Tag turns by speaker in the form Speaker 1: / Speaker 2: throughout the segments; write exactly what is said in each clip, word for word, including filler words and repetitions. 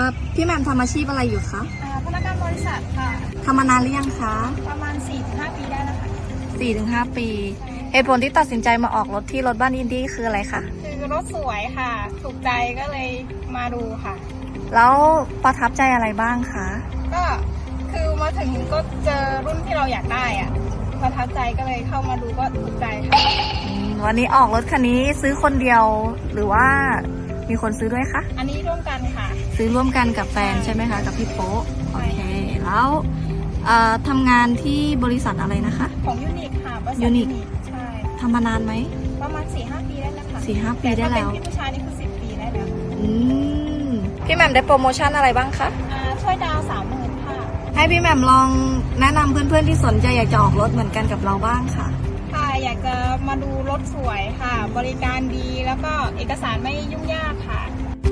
Speaker 1: พี่แหม่มทำอาชีพอะไรอยู่คะ
Speaker 2: อ่าพนักงานบริษัทค่ะ
Speaker 1: ทำมานานหรือยังคะ
Speaker 2: ประมาณ สี่ถึงห้า ปีได้แล้วค่ะ
Speaker 1: สี่ถึงห้า ปี เหตุผลที่ตัดสินใจมาออกรถที่รถบ้านอินดี้คืออะไรคะ
Speaker 2: คือรถสวยค่ะ ถูกใจก็เลยมาดูค่ะ
Speaker 1: แล้วประทับใจอะไรบ้างคะ
Speaker 2: ก็คือมาถึงก็เจอรุ่นที่เราอยากได้อะประทับใจก็เลยเข้ามาดูก็ถูกใจค่ะ
Speaker 1: อืมวันนี้ออกรถคันนี้ซื้อคนเดียวหรือว่ามีคนซื้อด้วยคะ
Speaker 2: อันนี้ร่วมกันค่ะ
Speaker 1: ซื้อร่วมกันกับแฟนใช่ไหมคะกับพี่โป๊ะโอเค แล้วเอ่อทำงานที่บริษัทอะไรนะคะ
Speaker 2: ของยูนิคค่ะบริษัท
Speaker 1: Unique
Speaker 2: ใช่
Speaker 1: ทำมานานไหม
Speaker 2: ประมาณ สี่ห้า ปีได้แล้วค่ะ
Speaker 1: สี่ห้าปีได้แล้ว
Speaker 2: ต่ถ้าเป็นพี่ผู้ชายนี่คือ สิบ ปีได้แล้ว
Speaker 1: อืมพี่แหม่มได้โปรโมชั่นอะไรบ้างคะ
Speaker 2: อ่าช่วยดาวสามหมื่นค่ะ
Speaker 1: ให้พี่แหม่มลองแนะนำเพื่อนๆที่สนใจอยากจะออกรถเหมือนกันกับเราบ้างค่ะ
Speaker 2: ค่ะอยากจะมาดูรถสวยค่ะ บริการดีแล้วก็เอกสารไม่ยุ่งยากค่ะ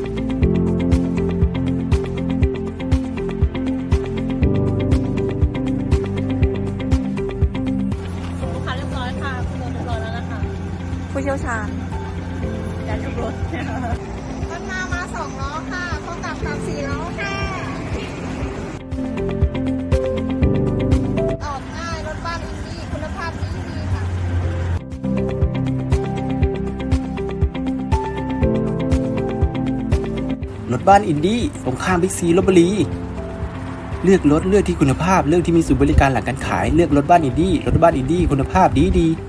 Speaker 2: ส่งลูกค้าเรียบร้อยค่ะคุณเรียบร้อยแล้วนะคะ
Speaker 1: ผู้เชี่ยวชาญ
Speaker 2: อยากทุกรถรถมามาสองล้อค่ะพร้อมกับสามสี่ล้อค่ะออกง่ายรถบ้านอินดี้คุณภาพดีดีค่ะ
Speaker 3: รถบ้านอินดี้ตรงข้ามบิ๊กซีลพบุรีเลือกรถเลือกที่คุณภาพเลือกที่มีศูนย์บริการหลังการขายเลือกรถบ้านอินดี้รถบ้านอินดี้คุณภาพดีดี